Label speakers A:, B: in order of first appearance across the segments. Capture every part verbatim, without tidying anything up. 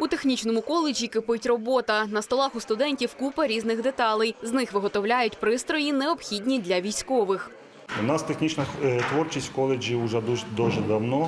A: У технічному коледжі кипить робота. На столах у студентів купа різних деталей. З них виготовляють пристрої, необхідні для військових.
B: У нас технічна творчість в коледжі вже дуже, дуже давно,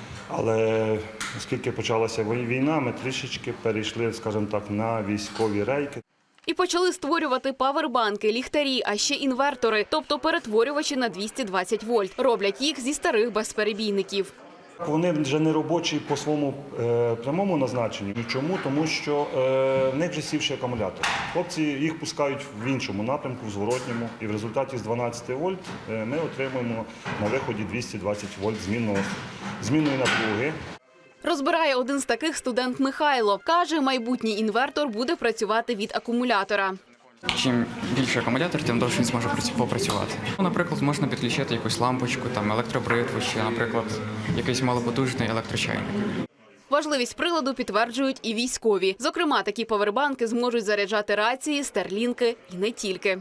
B: але оскільки почалася війна, ми трішечки перейшли, скажімо так, на військові рейки.
A: І почали створювати павербанки, ліхтарі, а ще інвертори, тобто перетворювачі на двісті двадцять вольт. Роблять їх зі старих безперебійників.
B: Вони вже не робочі по своєму е, прямому назначенню. Чому? Тому що е, в них вже сівший акумулятор. Хлопці їх пускають в іншому напрямку, в зворотньому. І в результаті з дванадцяти вольт е, ми отримуємо на виході двісті двадцять вольт змінного, змінної напруги.
A: Розбирає один з таких студент Михайло. Каже, майбутній інвертор буде працювати від акумулятора.
C: Чим більше акумулятор, тим довше він зможе попрацювати. Наприклад, можна підключити якусь лампочку, там електробритву чи, наприклад, якийсь малопотужний електрочайник.
A: Важливість приладу підтверджують і військові. Зокрема, такі павербанки зможуть заряджати рації, старлінки і не тільки.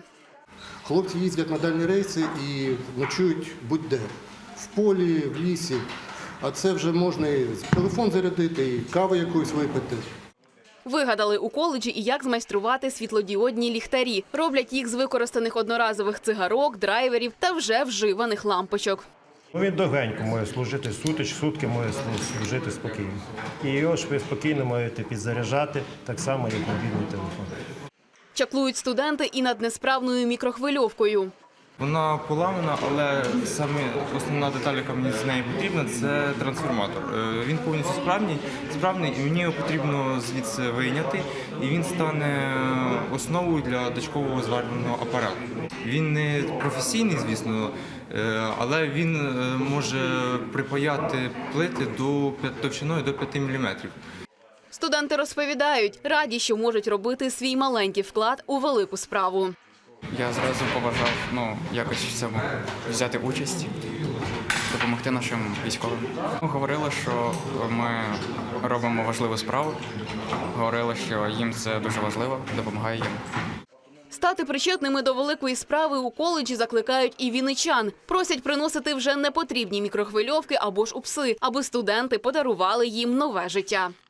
D: Хлопці їздять на дальні рейси і ночують будь-де. В полі, в лісі. А це вже можна і телефон зарядити, і каву якусь випити.
A: Вигадали у коледжі і як змайструвати світлодіодні ліхтарі. Роблять їх з використаних одноразових цигарок, драйверів та вже вживаних лампочок.
E: Він довгенько може служити, сутич, сутки може служити спокійно. І його ж ви спокійно можете підзаряджати, так само, як мобільний телефон.
A: Чаклують студенти і над несправною мікрохвильовкою.
F: Вона поламана, але саме основна деталь, яка мені з неї потрібна, це трансформатор. Він повністю справний, справний, і мені його потрібно звідси вийняти, і він стане основою для дочкового зварювального апарату. Він не професійний, звісно, але він може припаяти плити до товщиною до п'яти міліметрів.
A: Студенти розповідають, раді, що можуть робити свій маленький вклад у велику справу.
C: Я зразу побажав ну, якось в цьому взяти участь, допомогти нашим військовим. Говорили, що ми робимо важливу справу, говорили, що їм це дуже важливо, допомагає їм.
A: Стати причетними до великої справи у коледжі закликають і вінничан. Просять приносити вже непотрібні мікрохвильовки або ж упси, аби студенти подарували їм нове життя.